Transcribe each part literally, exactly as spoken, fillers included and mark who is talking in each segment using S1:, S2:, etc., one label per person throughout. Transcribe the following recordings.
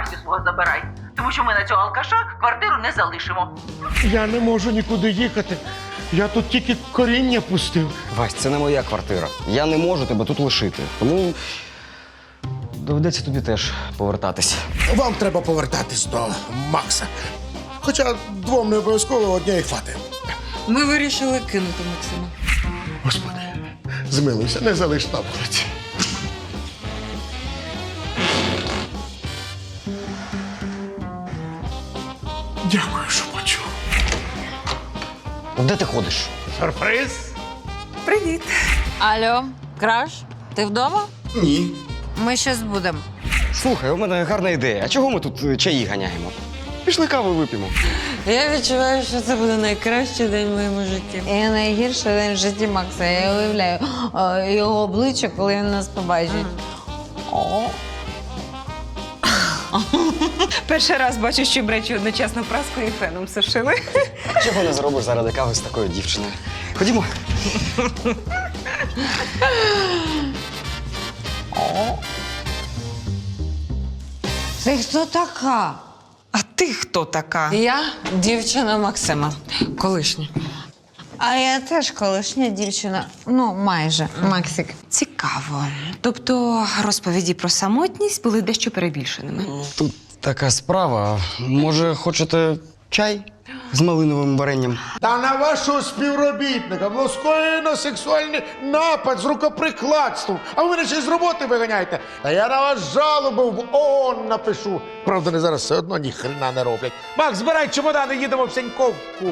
S1: Васю свого забирай. Тому що ми на цього алкаша квартиру не залишимо.
S2: Я не можу нікуди їхати. Я тут тільки коріння пустив.
S3: Вась, це не моя квартира. Я не можу тебе тут лишити. Тому доведеться тобі теж повертатись.
S2: Вам треба повертатись до Макса. Хоча двом не обов'язково однієї хватить.
S4: Ми вирішили кинути Максима.
S2: Господи, змилуйся, не залиш на вулиці. Дякую, що почув.
S3: Де ти ходиш?
S2: Сюрприз?
S4: Привіт.
S5: Алло, Краш, ти вдома?
S3: Ні.
S5: Ми щас будемо.
S3: Слухай, у мене гарна ідея. А чого ми тут е, чаї ганяємо? Пішли каву вип'ємо.
S4: Я відчуваю, що це буде найкращий день в моєму житті.
S5: І найгірший день в житті Макса. Я уявляю о, його обличчя, коли він нас побачить. О.
S6: Перший раз бачу, що бречі одночасно праскою і феном сушили.
S3: Чого не зробиш заради кави з такою дівчиною? Ходімо.
S5: Ти хто така?
S6: А ти хто така?
S4: Я дівчина Максима, колишня.
S5: А я теж колишня дівчина. Ну, майже. Максик.
S6: Цікаво. Тобто розповіді про самотність були дещо перебільшеними.
S3: Тут така справа. Може, хочете чай з малиновим варенням?
S2: Та на вашого співробітника було скоєно сексуальний напад з рукоприкладством. А ви мене ще й з роботи виганяєте. Та я на вас жалобу в ООН напишу. Правда, вони зараз все одно ні хрена не роблять. Макс, збирай чемодани, їдемо в Сеньковку.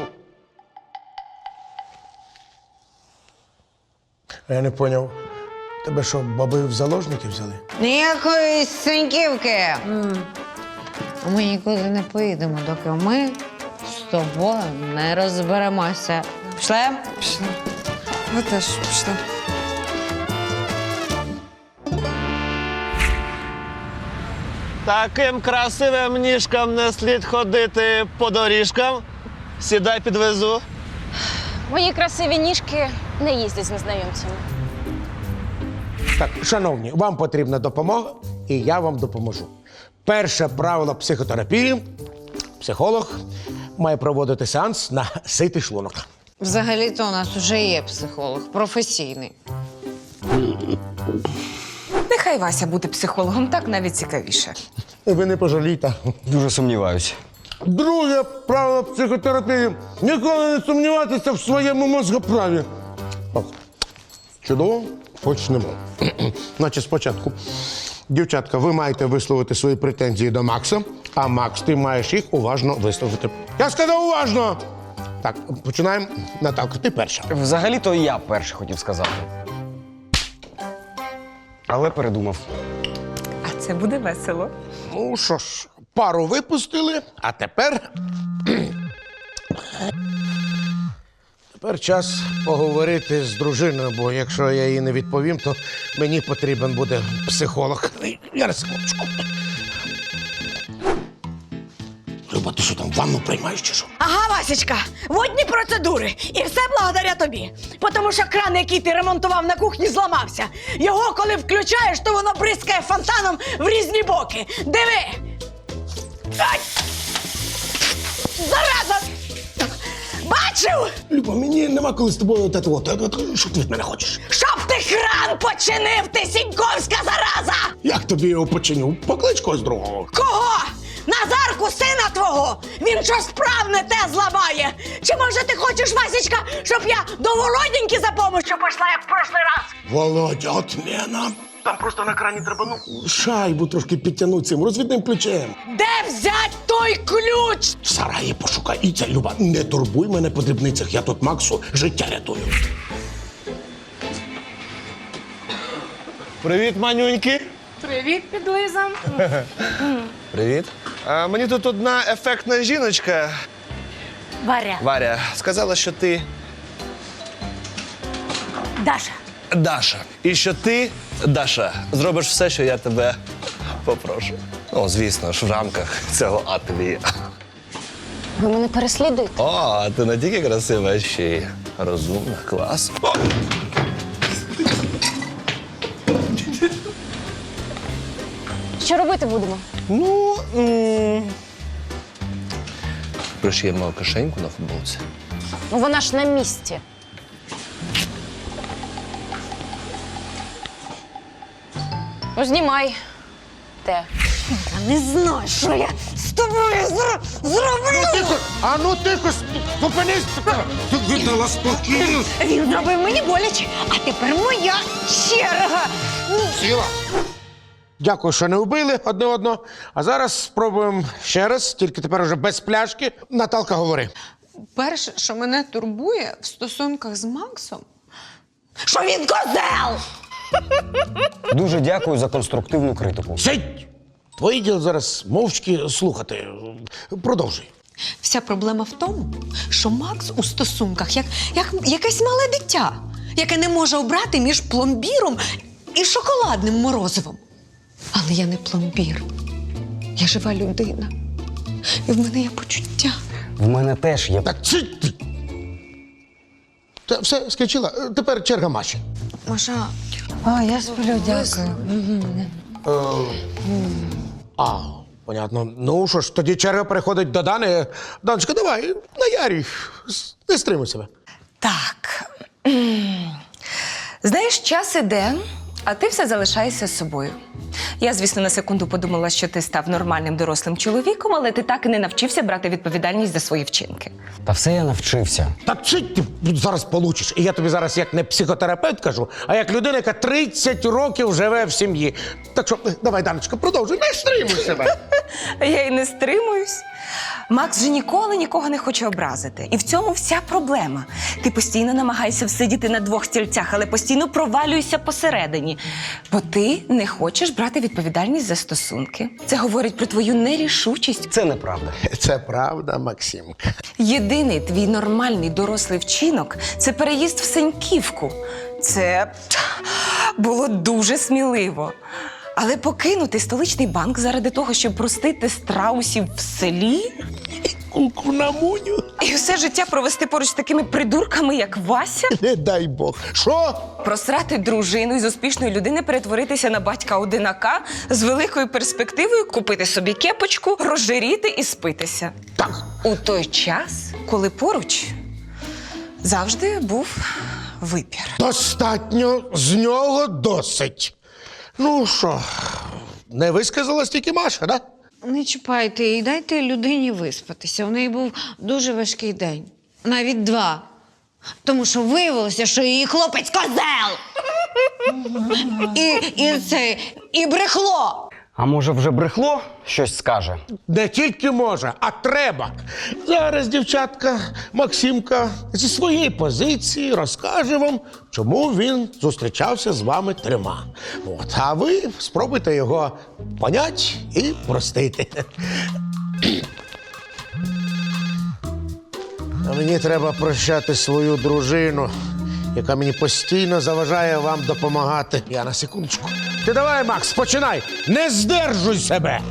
S2: Я не поняв. Тебе що, баби в заложники взяли?
S5: Ніякої синьківки. Ми нікуди не поїдемо, доки ми з тобою не розберемося. Пішли?
S4: Пішли. Ви теж пішли.
S7: Таким красивим ніжкам не слід ходити по доріжкам. Сідай, підвезу.
S8: Мої красиві ніжки не їздять з незнайомцями.
S2: Так, шановні, вам потрібна допомога, і я вам допоможу. Перше правило психотерапії – психолог має проводити сеанс на ситий шлунок.
S5: Взагалі-то у нас вже є психолог, професійний.
S6: Нехай Вася буде психологом, так навіть цікавіше.
S2: Ви не пожалійте.
S3: Дуже сумніваюся.
S2: Друге правило психотерапії – ніколи не сумніватися в своєму мозгоправі. Так, чудово, почнемо. Значить, спочатку, дівчатка, ви маєте висловити свої претензії до Макса, а Макс, ти маєш їх уважно висловити. Я сказав уважно! Так, починаємо. Наталка, ти перша.
S3: Взагалі-то я перший хотів сказати. Але передумав.
S6: А це буде весело.
S2: Ну що ж, пару випустили, а тепер. Тепер час поговорити з дружиною, бо якщо я їй не відповім, то мені потрібен буде психолог. Я на секундочку. Люба, ти що там, ванну приймаєш чи що?
S9: Ага, Васечка, водні процедури. І все благодаря тобі. Тому що кран, який ти ремонтував на кухні, зламався. Його, коли включаєш, то воно бризкає фонтаном в різні боки. Диви! Ай! Зараза! Бачив?
S2: Люба, мені нема коли з тобою от це от. Що ти від мене хочеш?
S9: Щоб ти кран починив, ти сіньковська зараза!
S2: Як тобі його починю? Поклич когось другого.
S9: Кого? Назарку, сина твого! Він щось справне те зламає! Чи може ти хочеш, Васечка, щоб я до Володіньки за помощью пішла, як в прошлий раз?
S2: Володя, отмена. Там просто на крані треба, ну, шайбу трошки підтягнути цим розвідним ключем.
S9: Де взять той ключ?
S2: В сараї пошукай. І це, Люба, не турбуй мене по дрібницях. Я тут Максу життя рятую.
S7: Привіт, манюньки.
S8: Привіт, підлиза.
S7: Привіт. А, мені тут одна ефектна жіночка,
S9: Варя.
S7: Варя, сказала, що ти
S9: Даша.
S7: Даша. І що ти, Даша, зробиш все, що я тебе попрошу. Ну, звісно ж, в рамках цього ательє.
S8: Ви мене переслідуєте?
S7: О, ти не тільки красива, а ще й розумна, клас. О!
S8: Що робити будемо?
S7: Ну. м, Пришиємо кишеньку на футболці.
S8: Ну вона ж на місці. Ну, знімай. Те.
S9: Я не знаю, що я з тобою зро- зроблю.
S2: Тихо! А ну тихо! Зупинись! Ти видала спокійно!
S9: Він зробив мені боляче, а тепер моя черга.
S2: Сіла! Дякую, що не вбили одне одного. А зараз спробуємо ще раз, тільки тепер уже без пляшки. Наталка, говори.
S4: Перше, що мене турбує в стосунках з Максом,
S9: Що він козел!
S3: Дуже дякую за конструктивну критику.
S2: Сидь! Твоє діло зараз мовчки слухати. Продовжуй.
S4: вся проблема в тому, що Макс у стосунках як, як якесь мале дитя, яке не може обрати між пломбіром і шоколадним морозивом. Але я не пломбір. Я жива людина. І в мене є почуття.
S3: В мене теж є.
S2: Так, сидь! ти. Та все, скінчила. Тепер черга Маші.
S4: Маша,
S5: О, я сплю, дякую.
S2: А, понятно. Ну що ж, тоді черга переходить до Дани. Даночка, давай, наярюй. Не стримуй себе.
S6: Так. Знаєш, час іде, а ти все залишаєшся з собою. Я, звісно, на секунду подумала, що ти став нормальним дорослим чоловіком, але ти так і не навчився брати відповідальність за свої вчинки.
S3: Та все я навчився.
S2: Так чить ти зараз получиш. І я тобі зараз як не психотерапевт кажу, а як людина, яка тридцять років живе в сім'ї. Так що, давай, Даночка, продовжуй, не стримуй себе.
S6: Я й не стримуюсь. Макс же ніколи нікого не хоче образити. І в цьому вся проблема. Ти постійно намагаєшся всидіти на двох стільцях, але постійно провалюєшся посередині. Бо ти не хочеш брати відповідальність за стосунки. Це говорить про твою нерішучість.
S3: Це неправда.
S2: Це правда, Максимка.
S6: Єдиний твій нормальний дорослий вчинок – це переїзд в Сеньківку. Це було дуже сміливо. Але покинути столичний банк заради того, щоб простити страусів в селі
S2: Куку на муню.
S6: і все життя провести поруч з такими придурками, як Вася,
S2: Не дай Бог. Що?
S6: просрати дружину і з успішної людини перетворитися на батька-одинака з великою перспективою купити собі кепочку, розжиріти і спитися.
S2: Так.
S6: У той час, коли поруч завжди був вибір.
S2: Достатньо, з нього досить. Ну що, не висказалась тільки Маша, да?
S5: Не чіпайте і дайте людині виспатися. У неї був дуже важкий день. Навіть два. Тому що виявилося, що її хлопець козел. І, і це, і брехло.
S3: А може вже брехло щось скаже?
S2: Не тільки може, а треба. Зараз дівчатка Максимка зі своєї позиції розкаже вам, чому він зустрічався з вами трьома. От, а ви спробуйте його поняти і простити. А мені треба прощати свою дружину, яка мені постійно заважає вам допомагати. Я на секундочку. Ти давай, Макс, починай! Не здержуй себе!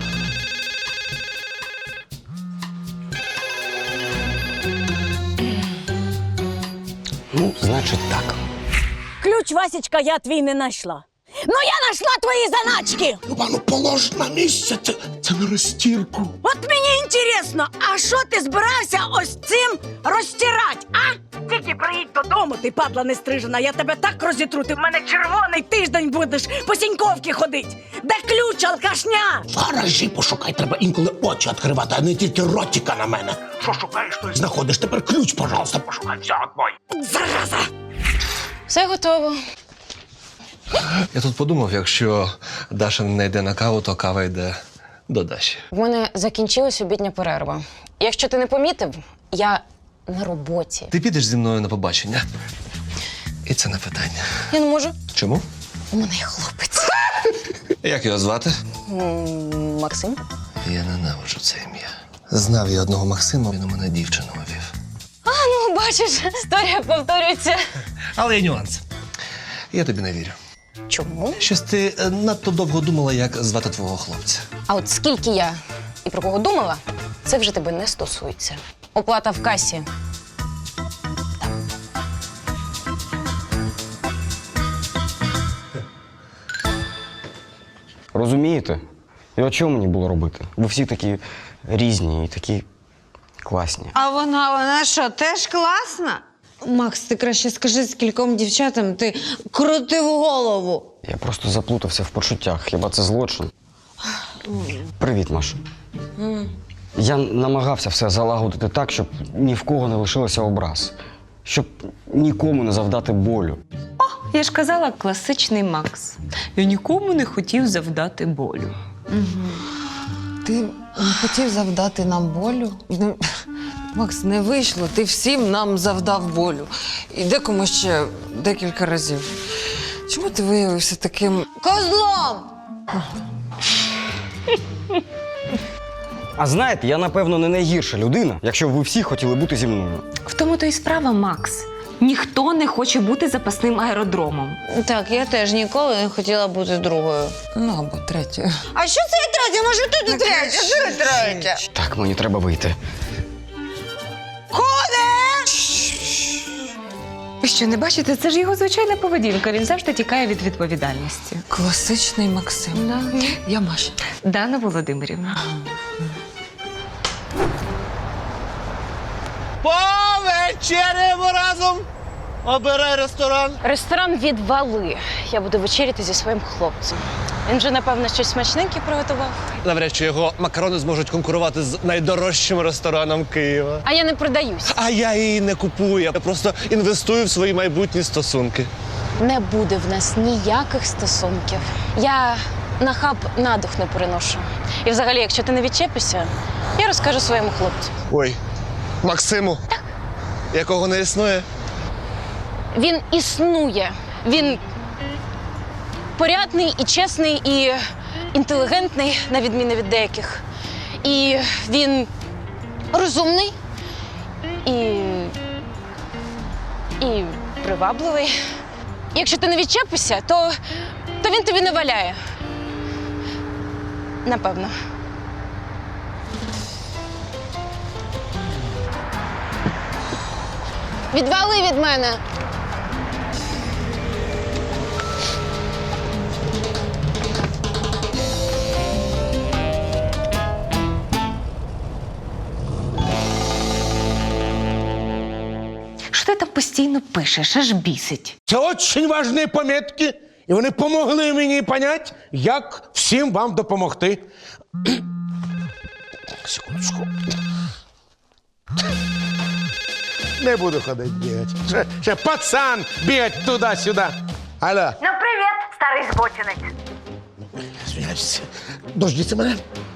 S3: Ну, значить так.
S9: Ключ, Васечка, я твій не знайшла. Ну я знайшла твої заначки.
S2: Люба, ну полож на місце, це, це на розтірку.
S9: От мені інтересно, а що ти збирався ось цим розтирати, а? Тільки приїдь додому, ти падла не стрижена, я тебе так розітру, ти в мене червоний тиждень будеш по Сіньковці ходить. Де ключ, алкашня?
S2: В гаражі пошукай, треба інколи очі відкривати, а не тільки ротика на мене. Що шукаєш, то й знаходиш. Тепер ключ, пожалуйста, пошукай. Все, от мой.
S9: Зараза!
S8: Все готово.
S7: Я тут подумав, якщо Даша не йде на каву, то кава йде до Даші.
S8: В мене закінчилась обідня перерва. Якщо ти не помітив, я на роботі.
S7: Ти підеш зі мною на побачення? І це не питання.
S8: Я не можу.
S7: Чому?
S8: У мене є хлопець.
S7: Як його звати?
S8: М, Максим?
S7: Я ненавиджу це ім'я. Знав я одного Максима, він у мене дівчину вів.
S8: А, ну, бачиш, історія повторюється.
S7: Але є нюанс. Я тобі не вірю.
S8: Чому?
S7: Щось ти е, надто довго думала, як звати твого хлопця.
S8: А от скільки я і про кого думала, це вже тебе не стосується. Оплата в касі.
S3: Розумієте? І от чого мені було робити? Ви всі такі різні і такі класні.
S5: А вона, вона що, теж класна? Макс, ти краще скажи, скільком дівчатам ти крутив голову.
S3: Я просто заплутався в почуттях. Хіба це злочин? Привіт, Маша. Я намагався все залагодити так, щоб ні в кого не лишилося образ. Щоб нікому не завдати болю.
S6: Я ж казала, класичний Макс. Я нікому не хотів завдати болю.
S4: Ти не хотів завдати нам болю? Ну, Макс, не вийшло. Ти всім нам завдав болю. І декому ще декілька разів. Чому ти виявився таким
S5: Козлом!
S3: А знаєте, я, напевно, не найгірша людина, якщо б ви всі хотіли бути зі мною.
S6: В тому то і справа, Макс. Ніхто не хоче бути запасним аеродромом.
S5: Так, я теж ніколи не хотіла бути другою.
S4: ну або третьою.
S5: А що це я третя? Може, ти не третя? Ти третя?
S3: Так, мені треба вийти.
S6: Ви що, не бачите? Це ж його звичайна поведінка. Він завжди тікає від відповідальності.
S4: Класичний Максим. Я Маша.
S6: Дана Володимирівна.
S7: Повечеряємо разом! Обирай ресторан.
S8: Ресторан «Відвали». Я буду вечеряти зі своїм хлопцем. Він вже, напевно, щось смачненьке приготував.
S7: Навряд чи його макарони зможуть конкурувати з найдорожчим рестораном Києва.
S8: А я не продаюсь.
S7: А я її не купую, я просто інвестую в свої майбутні стосунки.
S8: Не буде в нас ніяких стосунків. Я на хаб надух не переношу. І взагалі, якщо ти не відчепишся, я розкажу своєму хлопцю.
S7: Ой, Максиму, якого не існує.
S8: Він існує. Він порядний і чесний, і інтелігентний, на відміну від деяких. І він розумний і, і привабливий. Якщо ти не відчепишся, то, то він тобі не валяє. Напевно. Відвали від мене!
S6: Що ти там постійно пишеш, аж бісить?
S2: Це дуже важливі помітки, і вони допомогли мені зрозуміти, як всім вам допомогти. Секундочку. Не буду ходити бігати. Ще, ще пацан бігати туди-сюди. Алло.
S10: Ну, привіт, старий збочинець.
S2: Извиняюсь. Дождіться мене.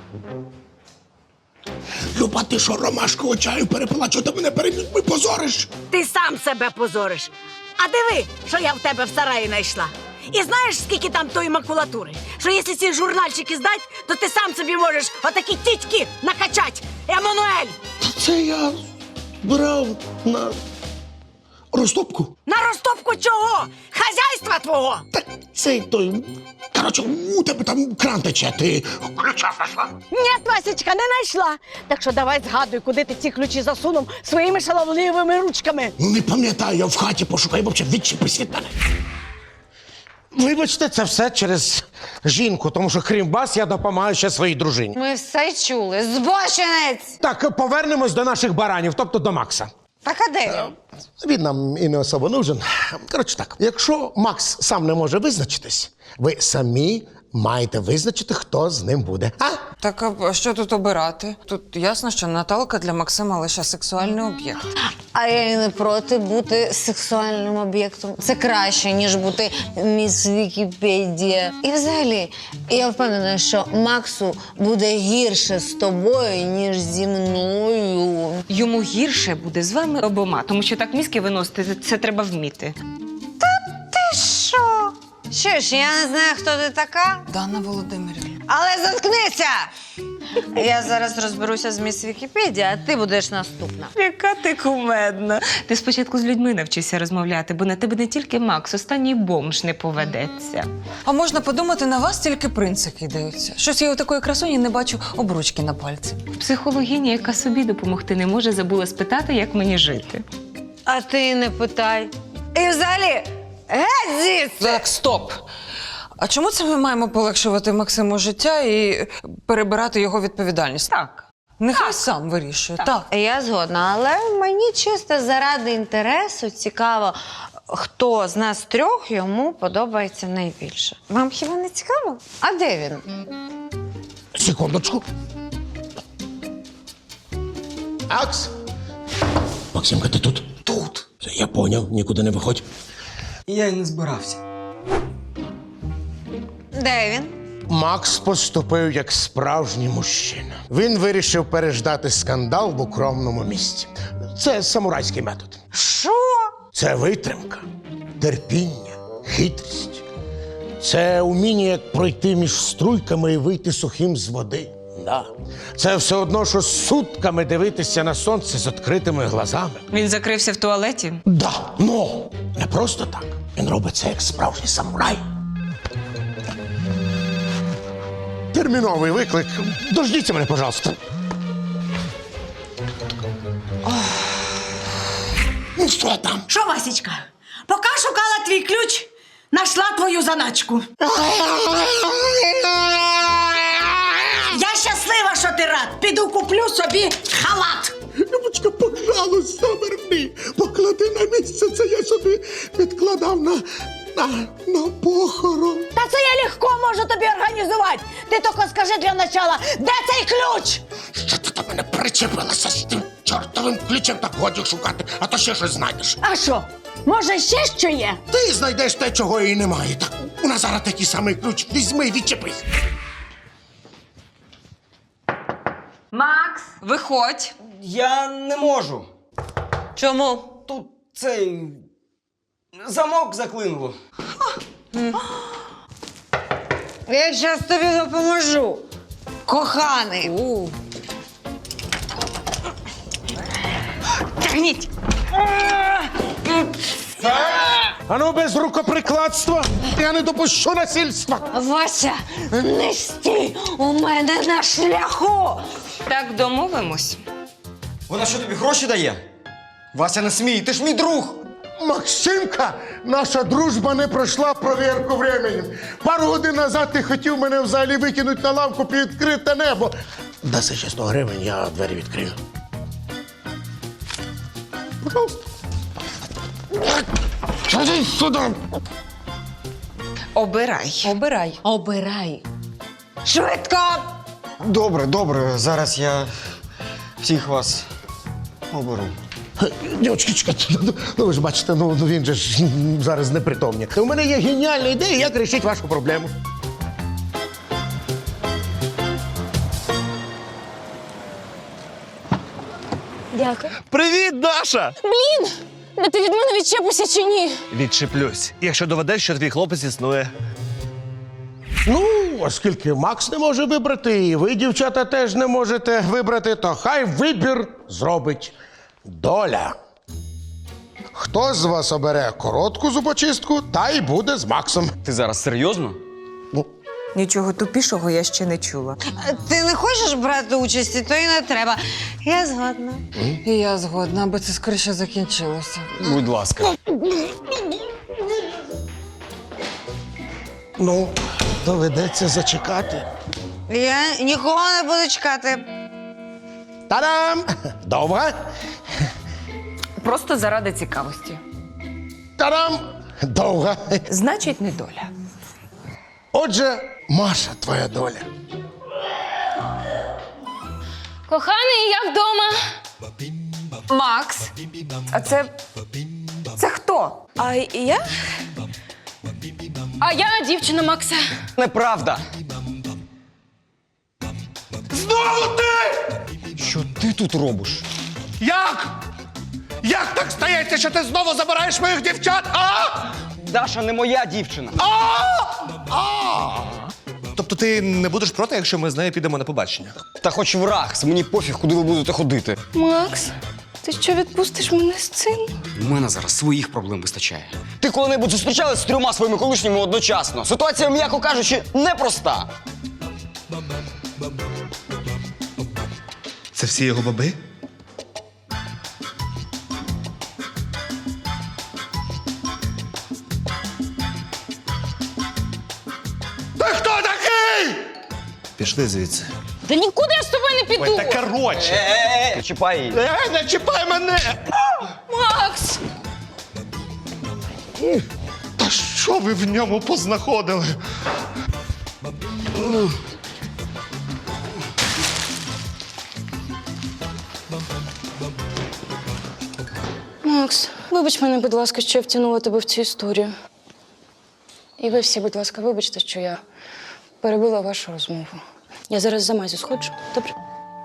S2: Люба, ти що, ромашкового чаю перепила? Чого ти мене перед людьми позориш?
S9: Ти сам себе позориш. А диви, що я в тебе в сараї знайшла. І знаєш, скільки там тої макулатури? Що якщо ці журнальчики здать, то ти сам собі можеш отакі тітьки накачать. Еммануель!
S2: Це я брав на розтопку.
S9: На розтопку чого? Хазяйства твого!
S2: Так цей той. Коротше, у тебе там кран тече, ти ключа знайшла.
S9: Ні, Васечка, не знайшла. Так що давай згадуй, куди ти ці ключі засунув своїми шаловливими ручками.
S2: Ну не пам'ятаю, я в хаті пошукаю, взагалі відчепись від мене. Вибачте, це все через жінку, тому що крім вас я допомагаю ще своїй дружині.
S5: Ми все чули. Збочинець!
S2: Так, повернемось до наших баранів, тобто до Макса.
S5: Так, а де він?
S2: Він нам і не особо нужен. Коротше так, якщо Макс сам не може визначитись, ви самі маєте визначити, хто з ним буде. А?
S4: Так, а що тут обирати? Тут ясно, що Наталка для Максима лише сексуальний об'єкт.
S5: А я і не проти бути сексуальним об'єктом. Це краще, ніж бути міс Вікіпедія. І взагалі, я впевнена, що Максу буде гірше з тобою, ніж зі мною.
S6: Йому гірше буде з вами обома, тому що так мізки виносити, це треба вміти.
S5: Ти що? Що ж, я не знаю, хто ти така,
S4: Дана Володимирівна.
S5: але заткнися! Я зараз розберуся з міс Вікіпедія, а ти будеш наступна.
S6: Яка ти кумедна. Ти спочатку з людьми навчишся розмовляти, бо на тебе не тільки Макс, останній бомж не поведеться.
S4: А можна подумати, на вас тільки принци кидаються. Щось я у такої красуні не бачу обручки на пальці.
S6: Психологиня, яка собі допомогти не може, забула спитати, як мені жити.
S5: А ти не питай. І взагалі, геть звідси!
S4: Так, стоп.
S11: А чому це ми маємо полегшувати Максиму життя і перебирати його відповідальність?
S6: Так.
S11: Нехай сам вирішує. Так.
S5: Я згодна, але мені чисто заради інтересу цікаво, хто з нас трьох йому подобається найбільше. Вам хіба не цікаво? А де він?
S2: Секундочку. Акс! Максимка, ти тут? Тут. Я поняв, нікуди не виходь.
S3: Я й не збирався.
S5: Де він?
S2: Макс поступив як справжній мужчина. Він вирішив переждати скандал в укромному місці. Це самурайський метод.
S5: Що?
S2: Це витримка, терпіння, хитрість. Це уміння, як пройти між струйками і вийти сухим з води. Да. Це все одно, що сутками дивитися на сонце з відкритими глазами.
S6: Він закрився в туалеті.
S2: Да, ну, не просто так. Він робить це як справжній самурай. Терміновий виклик. Дождіться мене, пожалуйста. Ну, що там?
S9: Що, Васечка? Поки шукала твій ключ, знайшла твою заначку. Я щаслива, що ти рад. Піду куплю собі халат.
S2: Любочка, пожалуйста, верни. Поклади на місце, це я собі відкладав на, на, на похорон.
S9: Та це я легко можу тобі організувати. Ти тільки скажи для начала, де цей ключ?
S2: Що ти до мене причепилася з тим чортовим ключем? Так годі шукати, а то ще щось знайдеш.
S9: А що? Може, ще що є?
S2: Ти знайдеш те, чого і немає. Так у нас зараз такий самий ключ. Візьми, відчепись.
S6: Макс!
S11: Виходь.
S3: Я не можу.
S11: Чому?
S3: Тут цей замок заклинуло.
S5: Я зараз тобі допоможу. Коханий.
S9: Тягніть!
S2: А ну без рукоприкладства. Я не допущу насильства.
S5: Вася, не стій у мене на шляху.
S6: Так домовимось.
S3: Вона що, тобі гроші дає? Вася, не смій, ти ж мій друг!
S2: Максимка, наша дружба не пройшла провірку временем. Пару годин назад ти хотів мене взагалі викинути на лавку під відкрите небо. Даси ще сто гривень, я двері відкрию. Ходи сюди.
S6: Обирай.
S11: Обирай.
S5: Обирай. Швидко!
S3: Добре, добре, зараз я всіх вас оберу.
S2: Дівчатки, чекайте, ну, ну ви ж бачите, ну ну, він же ж зараз непритомний. У мене є геніальна ідея, як вирішити вашу проблему.
S8: Дякую.
S7: Привіт, Даша!
S8: Блін! Да ти від мене відчепишся чи ні?
S7: Відчеплюсь, якщо доведеш, що твій хлопець існує.
S2: Ну, оскільки Макс не може вибрати, і ви, дівчата, теж не можете вибрати, то хай вибір зробить доля. Хто з вас обере коротку зубочистку, та й буде з Максом.
S3: Ти зараз серйозно?
S6: Нічого тупішого я ще не чула.
S5: Ти не хочеш брати участі, то й не треба. Я згодна.
S11: І я згодна, аби це скоріше закінчилося.
S3: Будь ласка.
S2: Ну, доведеться зачекати.
S5: Я нікого не буду чекати.
S2: Та-дам! Довго?
S6: Просто заради цікавості.
S2: Та-дам! Довго.
S6: Значить, не доля.
S2: Отже, Маша, твоя доля.
S8: Коханий, я вдома.
S6: Макс! А це. Це хто?
S8: А я? А я дівчина Макса.
S3: Неправда.
S2: Знову ти!
S3: Що ти тут робиш?
S2: Як? Як так стається, що ти знову забираєш моїх дівчат, а?
S3: Даша не моя дівчина.
S7: Тобто ти не будеш проти, якщо ми з нею підемо на побачення?
S3: Та хоч враг, мені пофіг, куди ви будете ходити.
S8: Макс, ти що відпустиш мене з цим?
S3: У мене зараз своїх проблем вистачає. Ти коли-небудь зустрічалась з трьома своїми колишніми одночасно? Ситуація, м'яко кажучи, непроста.
S7: Це всі його баби? Пішли звідси.
S8: Та нікуди я з тобою не піду!
S7: Ой, та коротше!
S3: Не чіпай її.
S7: Е, не чіпай мене!
S8: Макс!
S7: Та що ви в ньому познаходили?
S8: Макс, вибач мене, будь ласка, що я втягнула тебе в цю історію. І ви всі, будь ласка, вибачте, що я перебила вашу розмову. Я зараз за Мазю сходжу, добре?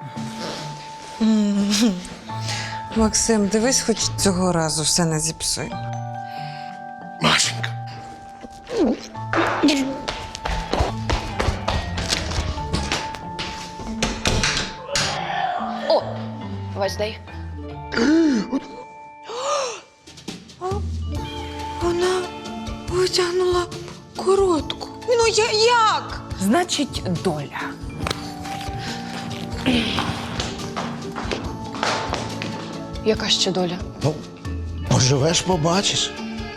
S11: Максим, дивись, хоч цього разу все не зіпсуй.
S2: Машенька.
S8: О! Вась, дай.
S4: Вона витягнула коротку. Ну я як?
S6: Значить, доля.
S8: Яка ще доля?
S2: Ну, поживеш, побачиш.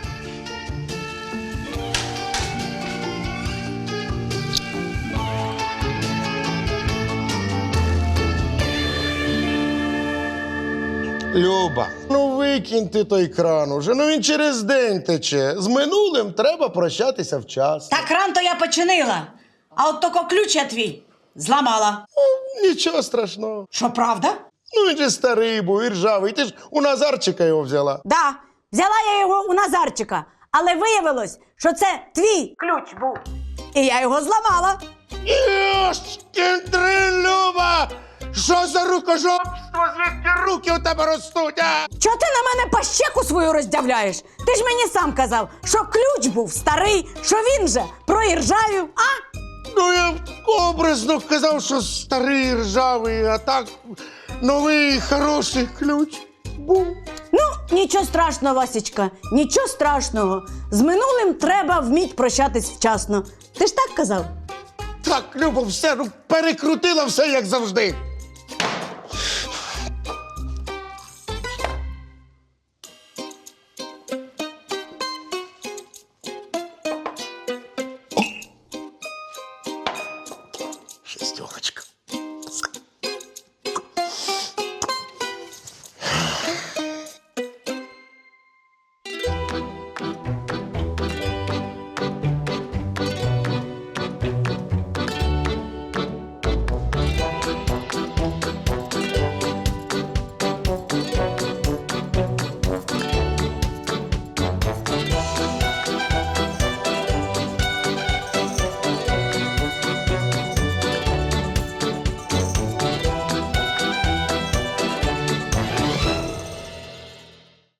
S2: Люба, ну викинь ти той кран уже, ну він через день тече. З минулим треба прощатися вчасно.
S9: Так кран то я починила, а от тако ключ я твій зламала.
S2: Ну, нічого страшного.
S9: Що, правда?
S2: Ну він же старий був і ржавий. Ти ж у Назарчика його взяла.
S9: Да, взяла я його у Назарчика, але виявилось, що це твій ключ був. І я його зламала.
S2: Йошкін дрин, Люба! Що за рукожопство? Звідки руки у тебе ростуть, а?
S9: Чого ти на мене пащеку свою роздявляєш? Ти ж мені сам казав, що ключ був старий, що він же проіржавів, а?
S2: Ну, я образно казав, що старий ржавий, а так новий хороший ключ був.
S9: Ну, нічого страшного, Васечка, нічого страшного. З минулим треба вміть прощатись вчасно. Ти ж так казав?
S2: Так, Люба, все, ну перекрутила все, як завжди.